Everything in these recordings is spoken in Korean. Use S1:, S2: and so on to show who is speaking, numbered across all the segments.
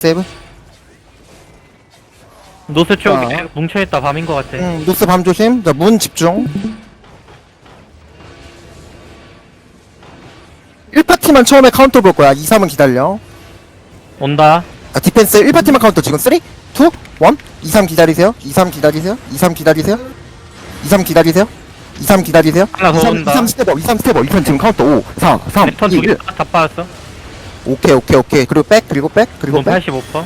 S1: 세이브.
S2: 노스 쪽
S1: 자.
S2: 뭉쳐있다 밤인 것 같아.
S1: 노스 밤 조심. 자, 문 집중. 1파티만 처음에 카운터 볼 거야. 2, 3은 기다려.
S2: 온다.
S1: 자, 디펜스 1파티만 카운터 지금 3, 2, 1. 2, 3 기다리세요. 2, 3 기다리세요. 2, 3 기다리세요. 2, 3 기다리세요. 2, 3 기다리세요.
S2: 하나 더
S1: 2, 3,
S2: 온다.
S1: 2, 3 스텝업. 2, 3 스텝업. 2편 지금 카운터 5, 4, 3,
S2: 패턴
S1: 2,
S2: 두개
S1: 1.
S2: 다 빠졌어.
S1: 오케이, 오케이, 오케이. 그리고 백, 그리고 백, 그리고
S2: 돈
S1: 백.
S2: 85%.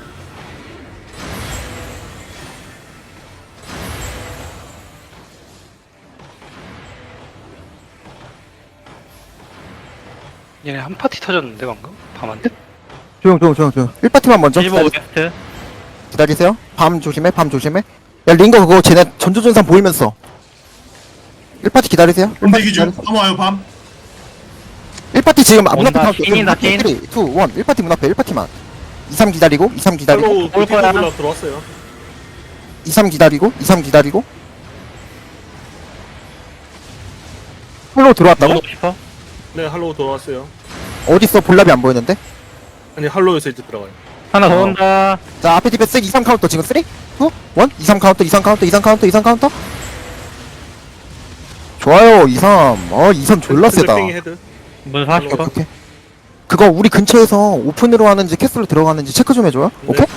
S3: 얘네 한 파티 터졌는데 방금? 밤한테?
S1: 조용, 조용, 조용, 조용. 1파티만 먼저
S2: 75 웨스트.
S1: 기다리세요. 밤 조심해, 밤 조심해. 야, 링거 그거 쟤네 전조전산 보이면서. 1파티 기다리세요.
S4: 대기 중. 밤 와요 밤.
S1: 1파티 지금 문 앞에
S2: 온다.
S1: 카운터.
S2: 찐이다, 찐.
S1: 3, 2, 1. 1파티 문 앞에 1파티만. 2, 3 기다리고, 2, 3 기다리고,
S5: 팔로우
S2: 올 거야.
S5: 올라 들어왔어요.
S1: 2, 3 기다리고, 2, 3 기다리고. 홀로 들어왔다고?
S2: 넣고 싶어?
S5: 네, 할로우 들어왔어요.
S1: 어딨어? 볼랍이 안 보이는데?
S5: 아니, 할로우에서 이제 들어가요.
S2: 하나 더
S1: 어.
S2: 온다.
S1: 자, 앞에 디펜스 2, 3 카운터 지금 3, 2, 1. 2, 3 카운터, 2, 3 카운터, 2, 3 카운터, 2, 3 카운터. 좋아요, 2, 3. 2, 3 졸라 세다.
S5: 팽이 헤드.
S2: 문
S1: 오케이,
S2: 40%.
S1: 오케이. 그거 우리 근처에서 오픈으로 하는지 캐슬로 들어가는지 체크 좀 해줘요.
S5: 네.
S1: 오케이?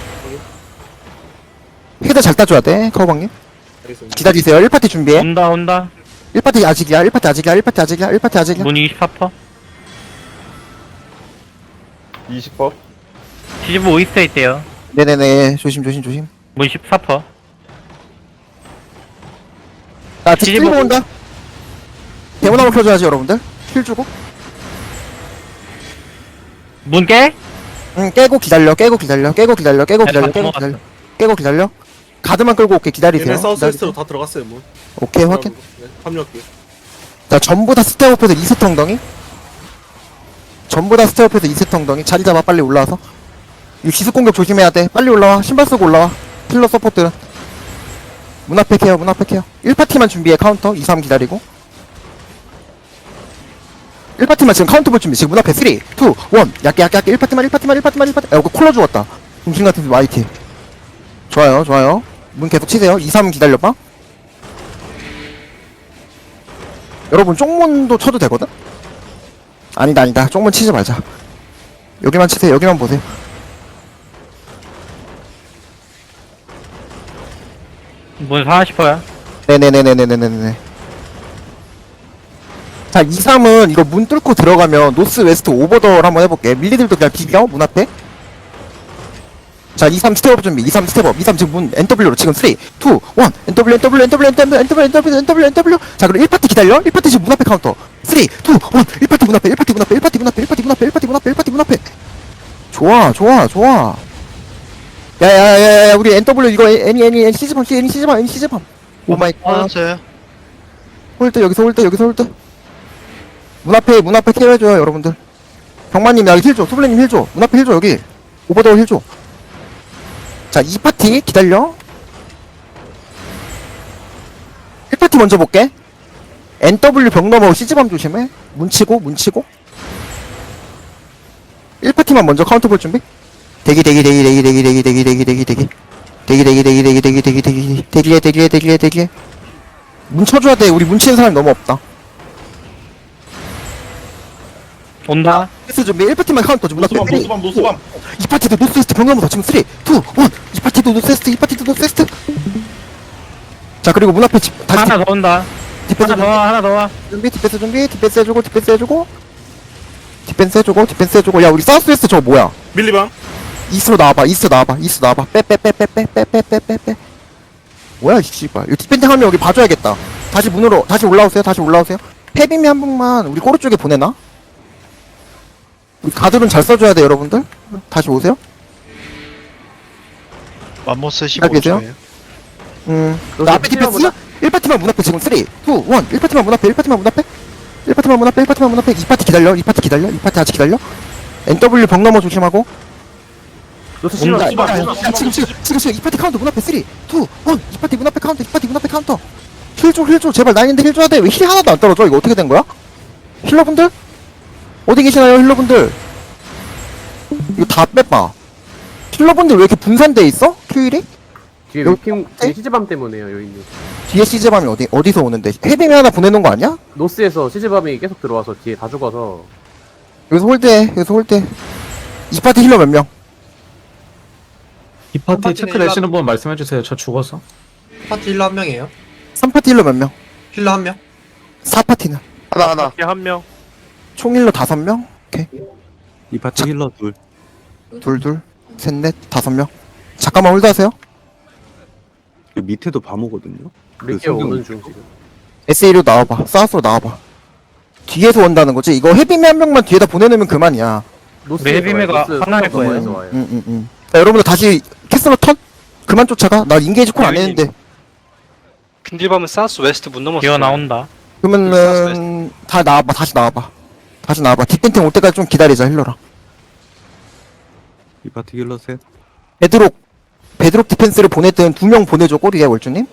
S1: 헤드 잘 따줘야 돼, 커버방님.
S5: 알겠습니다.
S1: 기다리세요. 1파티 준비해.
S2: 온다 온다.
S1: 1파티 아직이야, 1파티 아직이야, 1파티 아직이야, 1파티 아직이야.
S2: 문 24%.
S6: 20법?
S2: 75 이스트에 있대요.
S1: 네네네, 조심, 조심, 조심.
S2: 문 14%.
S1: 자, 딜
S2: 뒤집어.
S1: 온다. 대문함을 켜줘야지, 여러분들. 힐 주고.
S2: 문 깨?
S1: 응, 깨고 기다려, 깨고 기다려, 깨고 기다려, 깨고 기다려,
S2: 다
S1: 깨고
S2: 넘어갔어.
S1: 기다려. 깨고 기다려. 가드만 끌고 올게, 기다리세요.
S5: 얘네 사우스웨스트로
S1: 기다리세요.
S5: 다 들어갔어요, 문.
S1: 오케이, 확인.
S5: 네, 합류할게요.
S1: 자, 전부 다 스테어업에서 2세트 엉덩이. 전부 다 스테어업에서 2세트 엉덩이. 자리 잡아, 빨리 올라와서. 이 기습 공격 조심해야 돼. 빨리 올라와. 신발 쓰고 올라와. 힐러 서포트. 문 앞에 케어, 문 앞에 케어. 1파티만 준비해, 카운터. 2, 3 기다리고. 1파티만 지금 카운터 볼 준비. 지금 문 앞에 3, 2, 1. 얇게, 얇게, 얇게. 1파티만, 1파티만, 1파티만, 1파티. 야, 이거 콜러 죽었다. 중심 같은 YT. 좋아요, 좋아요. 문 계속 치세요. 2, 3 기다려봐. 여러분, 쪽문도 쳐도 되거든? 아니다, 아니다. 쪽문 치지 말자. 여기만 치세요. 여기만 보세요.
S2: 문 40%야.
S1: 네네네네네네네. 자, 2, 3은 이거 문 뚫고 들어가면 노스 웨스트 오버더를 한번 해볼게. 밀리들도 그냥 비벼, 문 앞에. 자, 2, 3 스텝업 준비. 2, 3 스텝업. 2, 3 지금 문 NW로 지금 3, 2, 1. NW, NW, NW, NW, NW, NW, NW, NW. 자, 그리고 1파티 기다려. 1파티 지금 문 앞에 카운터. 3, 2, 1. 1파티 문 앞에, 1파티 문 앞에, 1파티 문 앞에, 1파티 문 앞에, 1파티 문 앞에, 1파티 문 앞에. 좋아, 좋아, 좋아. 야야야야, 우리 NW 이거 애니 시즈밤, 애니 시즈밤, 애니 시즈밤. 오마이 갓.
S3: 맞았어요.
S1: 홀드, 여기서 홀드, 여기서 홀드. 문 앞에 케어해줘요, 여러분들. 경마님, 야, 힐 줘. 소블레님 힐 줘. 문 앞에 힐 줘, 여기. 오버더울 힐 줘. 자, 2파티 기다려. 1파티 먼저 볼게. NW 벽 넘어 시즈밤 조심해. 문치고, 문치고. 1파티만 먼저 카운터 볼 준비. 대기. 문 쳐줘야 돼. 우리 문 치는 사람이 너무 없다.
S2: 온다.
S1: 패스 준비. 1파티만 카운터 좀.
S4: 노스밤 노스밤 노스밤.
S1: 2파티도 노스웨스트 병나무다. 지금 3, 2, 1. 2파티도 노스웨스트, 2파티도 노스웨스트. 자, 그리고 문 앞에 다시
S2: 하나 더 온다.
S1: 디펜스
S2: 하나 더 와. 하나 더 와.
S1: 준비, 디펜스 준비. 디펜스 해주고, 디펜스 해주고. 디펜스 해주고, 디펜스 해주고. 야, 우리 사우스웨스트 저거 뭐야?
S5: 밀리방.
S1: 이스로 나와봐, 이스로 나와봐, 이스로 나와봐. 빼. 뭐야, 이 씨발. 이거 디펜딩 하면 여기 봐줘야겠다. 다시 문으로, 다시 올라오세요, 다시 올라오세요. 페비미 한 분만 우리 꼬르 쪽에 보내나? 우리 가드론 잘 써줘야 돼, 여러분들. 다시 오세요.
S3: 맘모스
S1: 잘 계세요?
S3: 15초예요.
S1: 나 앞에 디펜스? 1파티만 문 앞에 지금 3, 2, 1. 1파티만 문 앞에, 1파티만 문 앞에. 1파티만 문 앞에, 1파티만 문 앞에. 2파티 기다려, 2파티 기다려, 2파티 아직 기다려. NW 벽 넘어 조심하고.
S2: 온다.
S1: 야, 지금 2파티 카운터 문 앞에 3, 2, 1. 2파티 문 앞에 카운터, 2파티 문 앞에 카운터. 힐 줘. 제발 나인데 힐 줘야 돼. 왜 힐 하나도 안 떨어져? 이거 어떻게 된 거야? 힐러분들? 어디 계시나요, 힐러분들? 이거 다 빼봐. 힐러분들 왜 이렇게 분산돼 있어? 큐일이?
S6: 뒤에
S1: 요-
S6: 위핑 뒤에 시즈밤 때문에요 요인님.
S1: 뒤에 시즈밤이 어디서 오는데? 헤빙이 하나 보내놓은 거 아니야?
S6: 노스에서 시즈밤이 계속 들어와서 뒤에 다 죽어서
S1: 여기서 홀드해. 여기서 홀드해. 이 파티 힐러 몇 명?
S7: 이 파티 체크 되시는 분 말씀해주세요. 저 죽어서.
S8: 파티 힐러 한 명이에요.
S1: 3파티 힐러 몇 명?
S8: 힐러 한 명.
S1: 4파티는?
S5: 하나.
S2: 한 명.
S1: 총 힐러 5명? 오케이.
S7: 이 파티 힐러 둘.
S1: 둘, 셋, 넷, 5명. 잠깐만 홀드하세요.
S7: 그 밑에도 밤오거든요.
S6: 리케 오는 중 지금.
S1: SA로 나와봐. 사우스로 나와봐. 뒤에서 온다는 거지? 이거 헤비맨 한 명만 뒤에다 보내놓으면 그만이야.
S6: 노스
S2: 우리 헤비메가 하나일 거예요.
S1: 자, 여러분들 다시 캐슬러 턴? 그만 쫓아가. 나 인게이지 콜 안 했는데.
S3: 빈딜밤은 사우스 웨스트 문 넘었어.
S2: 기어 나온다.
S1: 그러면은 다 나와봐. 다시 나와봐. 다시 나와봐. 뒷ben팅 올 때까지 좀 기다리자 힐러랑.
S7: 이 파티 힐러 셋.
S1: 베드록 디펜스를 보냈던 2명 보내줘. 꼬리에 월주님.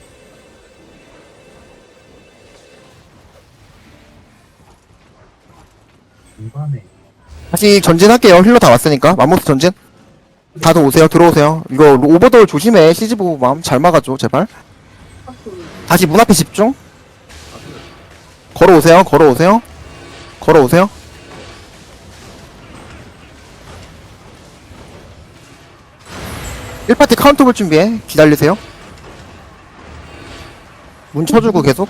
S1: 다시 전진할게요. 힐러 다 왔으니까. 맘모스 전진. 다들 오세요. 들어오세요. 이거 오버돌 조심해. CG 보고 마음 잘 막아줘. 제발. 다시 문 앞에 집중. 걸어오세요. 걸어오세요. 걸어오세요. 일파티 카운터 볼 준비해. 기다리세요. 문 쳐주고 계속.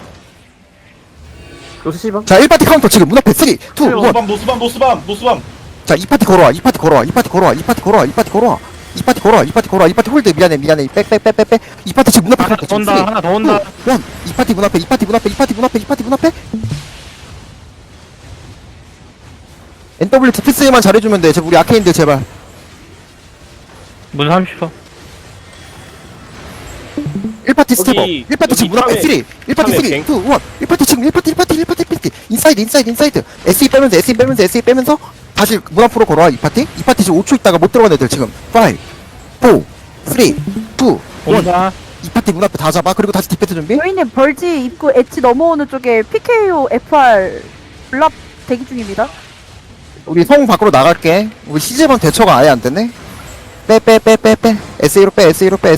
S6: 노스 시즈밤.
S1: 자, 1파티 카운터 지금 문 앞에 3, 2, 1.
S4: 노스밤.
S1: 자, 2파티 걸어와. 2파티 걸어와. 2파티 걸어와. 2파티 걸어와. 2파티 걸어와. 2파티 걸어와. 2파티 걸어와. 2파티 홀드. 미안해. 빽. 2파티 지금 문 앞에
S2: 하나 더 온다. 하나 더 온다.
S1: 2파티 문 앞에. 2파티 문 앞에. 2파티 문 앞에. 2파티 문 앞에. NW 디펜스만 잘해주면 돼. 우리 아케인들 제발.
S2: 문 30초.
S1: 1파티 스텝업. 1파티 지금 문 앞에 3. 1파티 3, 2, 1. 1파티 지금 1파티. 인사이드. SE 빼면서. 다시 문 앞으로 걸어와. 2파티 지금 5초 있다가 못 들어간 애들 지금. 5, 4, 3, 2, 1.
S2: 온다.
S1: 2파티 문 앞에 다 잡아. 그리고 다시 디펜스 준비.
S9: 여인님 벌지 입구 엣지 넘어오는 쪽에 PKO FR 블랍 대기 중입니다.
S1: 우리 성 밖으로 나갈게. 우리 시즈번 대처가 아예 안 되네. 빼. SE로 빼.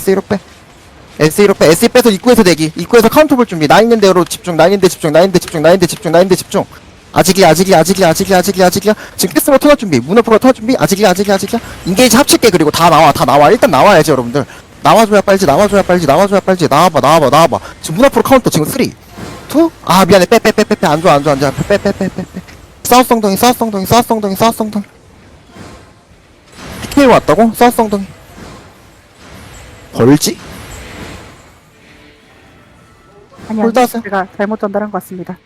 S1: SE 빼서 입구에서 대기. 입구에서 카운터 볼 준비. 나 있는 대로 집중. 아직이야. 지금 캐스로 터널 준비. 문 앞으로 터널 준비. 아직이야. 인게이지 합칠게. 그리고 다 나와. 일단 나와야지, 여러분들. 나와줘야 빨리. 나와봐. 지금 문 앞으로 카운터 지금 3, 2. 아, 미안해. 빼. 안 좋아. 빼. 사우스 엉덩이. PK 왔다고? 사우스 엉덩이. 벌지?
S9: 아니요,
S1: 홀드하세요.
S9: 제가 잘못 전달한 것 같습니다.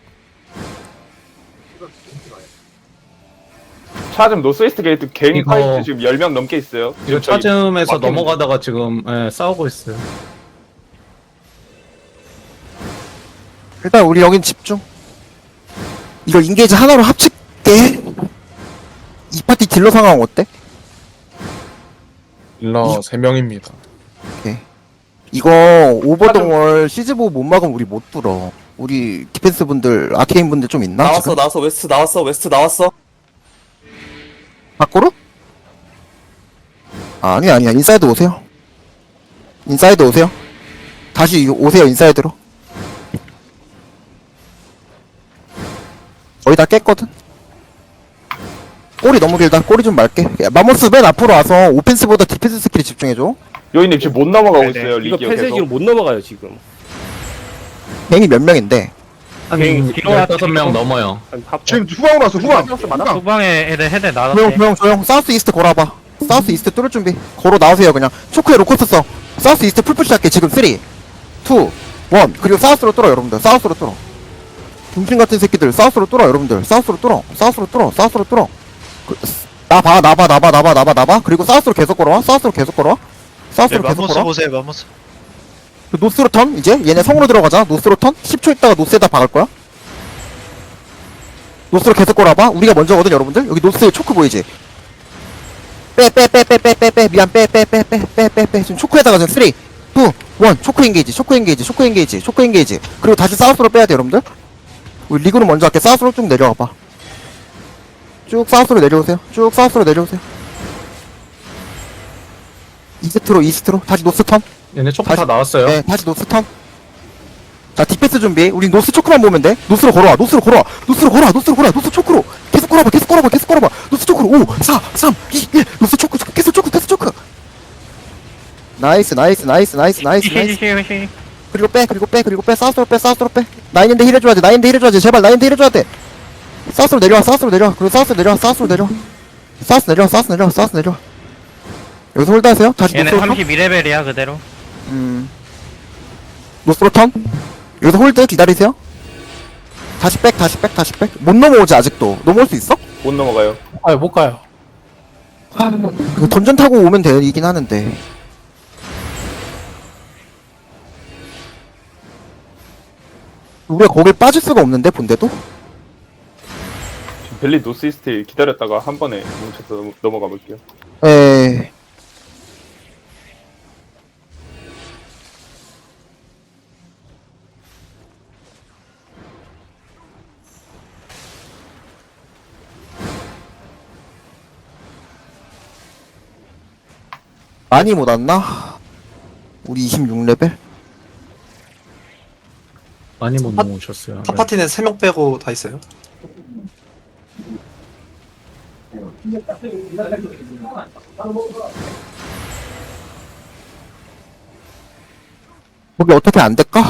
S10: 차즘 노스이스트 게이트 개인
S7: 이거-
S10: 파이트 지금 10명 넘게 있어요.
S7: 이거
S10: 저기
S7: 차즘에서
S10: 막히는
S7: 넘어가다가 지금 싸우고 있어요.
S1: 일단 우리 여긴 집중. 이거 인게이지 하나로 합칠게. 이 파티 딜러 상황 어때?
S11: 딜러 3명입니다.
S1: 이거 오버동월 시즈보 못 막으면 우리 못 뚫어. 우리 디펜스 분들, 아케인 분들 좀 있나? 지금?
S8: 웨스트 나왔어.
S1: 밖으로? 아니야. 인사이드 오세요. 다시 오세요, 인사이드로. 거의 다 깼거든? 꼬리 너무 길다. 꼬리 좀 말게. 야, 마모스 맨 앞으로 와서 오펜스보다 디펜스 스킬에 집중해줘.
S10: 요인님 지금 못 넘어가고
S2: 네네.
S10: 있어요.
S5: 이거
S10: 리기어
S5: 폐쇄기로
S10: 계속.
S5: 못 넘어가요 지금.
S1: 갱이 몇 명인데?
S7: 한
S2: 뒤로
S7: 15명 넘어요.
S4: 지금 후방으로 왔어, 후방.
S2: 후방에 애들 나갔네.
S1: 조용. 사우스 이스트 걸어봐. 사우스 이스트 뚫을 준비. 걸어 나오세요, 그냥. 초크에 로코스 써. 사우스 이스트 풀푸시 할게. 지금 3, 2, 1. 그리고 사우스로 뚫어, 여러분들. 사우스로 뚫어. 중심 같은 새끼들. 사우스로 뚫어, 여러분들. 사우스로 뚫어. 나봐. 그리고 사우스로 계속 걸어와.
S3: 보세요, 마모스.
S1: 그 노스로 턴, 이제. 얘네 성으로 들어가자. 노스로 턴. 10초 있다가 노스에다 박을 거야. 노스로 계속 걸어봐. 우리가 먼저거든, 여러분들. 여기 노스에 초크 보이지? 빼. 미안, 빼. 지금 초크에다가 지금 3, 2, 1. 초크 인게이지. 그리고 다시 사우스로 빼야 돼, 여러분들. 우리 리그로 먼저 할게. 사우스로 쭉 내려와봐. 쭉 사우스로 내려오세요. 이스트로 다시 노스 턴.
S7: 얘네 초크 다 나왔어요.
S1: 네, 다시 노스 턴. 자, 디펜스 준비. 우리 노스 초크만 보면 돼. 노스로 걸어와. 노스 초크로. 계속 걸어봐. 노스 초크로. 5, 4, 3, 2, 1. 노스 초크. 계속 초크. 나이스.
S2: 시시시시.
S1: 그리고 빼. 사우스로 빼. 나인인데 힐 해줘야 돼. 제발 나인인데 힐 해줘야 돼. 사우스로 내려와. 그리고 사우스로 내려와. 사우스 내려와. 여기서 홀드하세요. 다시
S2: 얘네
S1: 노스로 턴.
S2: 32레벨이야 그대로.
S1: 노스로 턴. 여기서 홀드 기다리세요. 다시 백. 못 넘어오지 아직도. 넘어올 수 있어?
S10: 못 넘어가요.
S2: 못 가요.
S1: 그 던전 타고 오면 되긴 하는데. 우리가 거길 빠질 수가 없는데 본데도?
S10: 지금 벨리 노스이스트 기다렸다가 한 번에 뭉쳐서 넘어가 볼게요.
S1: 에이. 많이 못 왔나? 우리 26레벨?
S7: 많이 못 넘어오셨어요.
S8: 한 파티는 3명 빼고 다 있어요.
S1: 거기 어떻게 안 될까?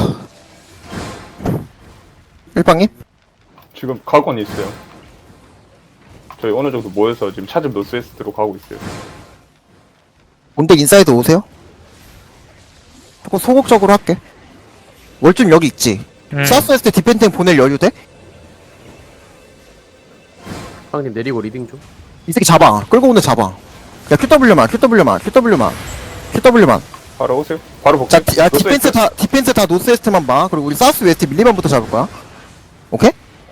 S1: 일방님?
S10: 지금 가고는 있어요. 저희 어느 정도 모여서 지금 차즘 노스웨스트로 가고 있어요.
S1: 본대 인사이드 오세요? 조금 소극적으로 할게. 월준 여기 있지? 사우스웨스트 디펜딩 보낼 여유 돼?
S6: 빵님 내리고 리딩 좀.
S1: 이 새끼 잡아. 끌고 오는 잡아. 야, QW만.
S10: 바로 오세요. 바로 복귀.
S1: 자, 디펜스 다 노스웨스트만 봐. 그리고 우리 사우스웨스트 밀리반부터 잡을 거야. 오케이?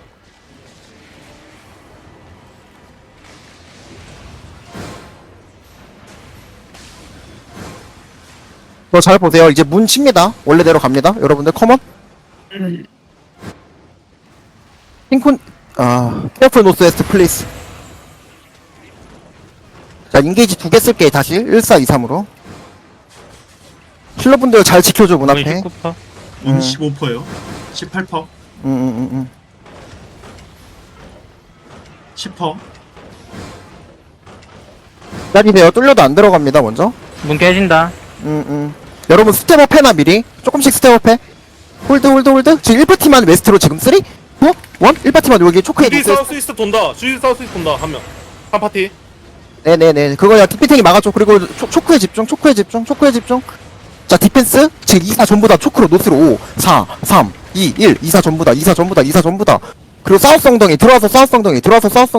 S1: 잘 보세요. 이제 문 칩니다. 원래대로 갑니다. 여러분들, 컴온. 핑콘, 케어풀 노스웨스트, 플리즈. 자, 인게이지 2개 쓸게, 다시. 1423으로. 킬러분들 잘 지켜줘, 문 앞에.
S2: 19%.
S5: 15%요. 18%. 10%.
S1: 기다리세요. 뚫려도 안 들어갑니다, 먼저.
S2: 문 깨진다.
S1: 여러분, 스텝업 해나, 미리. 조금씩 스텝업 해. 홀드. 지금 1파티만 웨스트로 지금 3, 2, 1? 1파티만 여기 초크해
S5: 주디
S1: 주세요.
S5: 사우스 이스트 돈다. 한 명. 한 파티.
S1: 네네네. 그거야, 디펜팅이 막아줘. 그리고 초크에 집중. 자, 디펜스. 지금 2사 전부 다 초크로 노스로 5, 4, 3, 2, 1. 2사 전부 다. 그리고 사우스 엉덩이. 들어와서 사우스